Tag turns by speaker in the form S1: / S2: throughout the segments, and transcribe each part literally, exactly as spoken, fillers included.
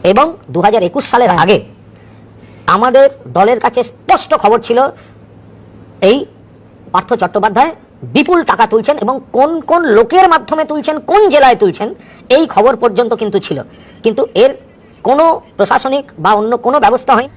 S1: এবং দু হাজার একুশ সালের আগে আমাদের দলের কাছে স্পষ্ট খবর ছিল এই পার্থ চট্টোপাধ্যায় বিপুল টাকা তুলছেন এবং কোন কোন লোকের মাধ্যমে তুলছেন, কোন জেলায় তুলছেন, এই খবর পর্যন্ত কিন্তু ছিল। কিন্তু এর কোনো প্রশাসনিক বা অন্য কোনো ব্যবস্থা হয়নি।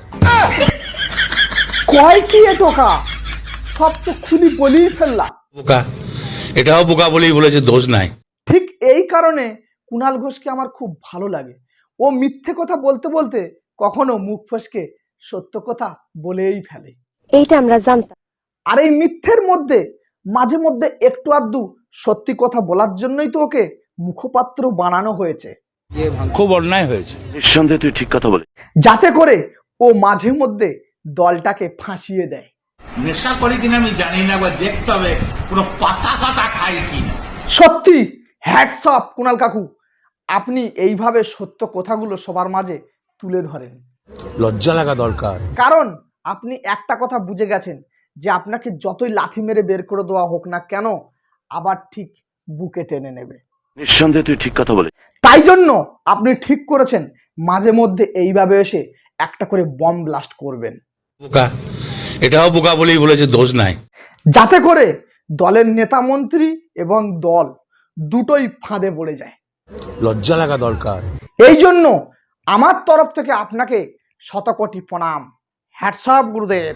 S2: কয় কি এ টোকা, সব তো খুলি বলেই ফেললা।
S3: বোকা, এটাও বোকা বলেই বলেছে, দোষ নাই।
S2: ঠিক এই কারণে কুণাল ঘোষকে আমার খুব ভালো লাগে। ও মিথ্যে কথা বলতে বলতে কখনো মুখ ফসকে সত্য কথা বলেই ফেলে।
S4: এইটা আমরা জানতাম।
S2: আর এই মিথ্যের মধ্যে মাঝে মধ্যে একটু আধটু সত্যি কথা বলার জন্যই তো ওকে মুখপাত্র বানানো হয়েছে।
S3: খুব অন্যায় হয়েছে।
S5: নিঃসন্দেহে তুই ঠিক কথা বলে,
S2: যাতে করে ও মাঝে মধ্যে দলটাকে ফাঁসিয়ে দেয়।
S6: নেশা করি কিনা আমি জানি না, বা দেখতে হবে পুরো পাতা পাতা খাই কিনা।
S2: সত্যি হ্যাটস অফ কুণাল কাকু, আপনি এইভাবে সত্য কথাগুলো সবার মাঝে তুলে ধরেন।
S3: লজ্জা লাগা দরকার।
S2: কারণ আপনি একটা কথা বুঝে গেছেন যে আপনাকে যতই লাথি মেরে বের করে দেওয়া হোক না কেন, আবার ঠিক বুকে টেনে নেবে।
S5: নিঃসন্দেহে তুই ঠিক কথা বলে।
S2: তাই জন্য আপনি ঠিক করেছেন মাঝে মধ্যে এইভাবে এসে একটা করে বম ব্লাস্ট করবেন।
S3: বোকা, এটাও বোকা বলেই বলেছে, দোষ নাই।
S2: যাতে করে দলের নেতা মন্ত্রী এবং দল দুটোই ফাঁদে পড়ে যায়।
S3: লজ্জা লাগা দরকার।
S2: এই জন্য আমার তরফ থেকে আপনাকে শতকোটি প্রণাম। হ্যাটস অফ গুরুদেব।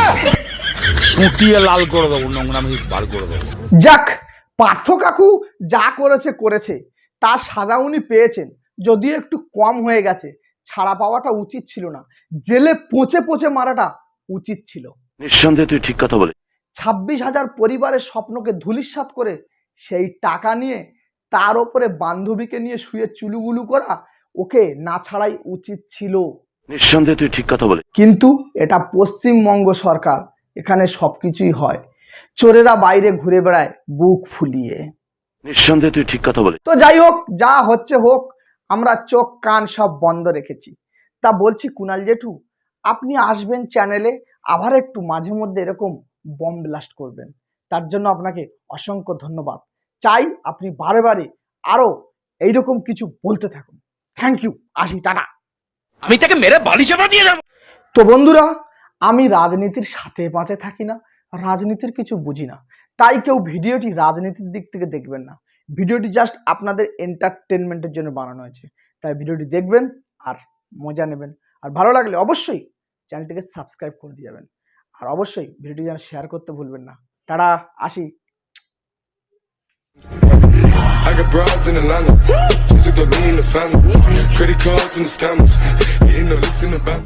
S3: সুটিয়ে লাল করে দেবো, নোংরামি বার করে দেবো।
S2: যাক, পার্থ কাকু যা করেছে করেছে, তার সাজা উনি পেয়েছেন, যদিও একটু কম হয়ে গেছে। ছাড়া পাওয়াটা উচিত ছিল না, জেলে পচে পচে মারাটা উচিত ছিল।
S5: নিঃসন্দেহে তুই ঠিক কথা বলে।
S2: ছাব্বিশ হাজার পরিবারের স্বপ্নকে ধূলিসাৎ করে সেই টাকা নিয়ে তার ওপরে বান্ধবীকে নিয়ে শুয়ে চুলুগুলু করা ওকে না ছাড়াই উচিত ছিল।
S5: নিঃসন্দেহে তুই ঠিক কথা বলে।
S2: কিন্তু এটা পশ্চিমবঙ্গ সরকার, এখানে সবকিছুই হয়। চোরেরা বাইরে ঘুরে বেড়ায় বুক ফুলিয়ে।
S5: নিঃসন্দেহে তুই ঠিক কথা বলে।
S2: তো যাই হোক, যা হচ্ছে হোক, আমরা চোখ কান সব বন্ধ রেখেছি। তা বলছি কুণাল জেঠু, আপনি আসবেন চ্যানেলে, আবার একটু মাঝে মধ্যে এরকম বম ব্লাস্ট করবেন। তার জন্য আপনাকে অসংখ্য ধন্যবাদ। চাই আপনি বারে বারে আরো এইরকম কিছু বলতে থাকুন। থ্যাংক ইউ, আসি, টাটা।
S3: আমি তাকে মেরে বালিশে বাঁধিয়ে দেবো।
S2: তো বন্ধুরা, আমি রাজনীতির সাথে পাঁচে থাকি না, রাজনীতির কিছু বুঝি না, তাই কেউ ভিডিওটি রাজনীতির দিক থেকে দেখবেন না। ভিডিওটি জাস্ট আপনাদের এন্টারটেনমেন্টের জন্য বানানো হয়েছে, তাই ভিডিওটি দেখবেন আর মজা নেবেন। আর ভালো লাগলে অবশ্যই চ্যানেলটিকে সাবস্ক্রাইব করে দিয়ে যাবেন। আর অবশ্যই ভিডিওটি যেন শেয়ার করতে ভুলবেন না। টাটা, আসি।
S7: I got broads in Atlanta, just to the lean the family, credit cards and the scammers, hitting the licks in the back.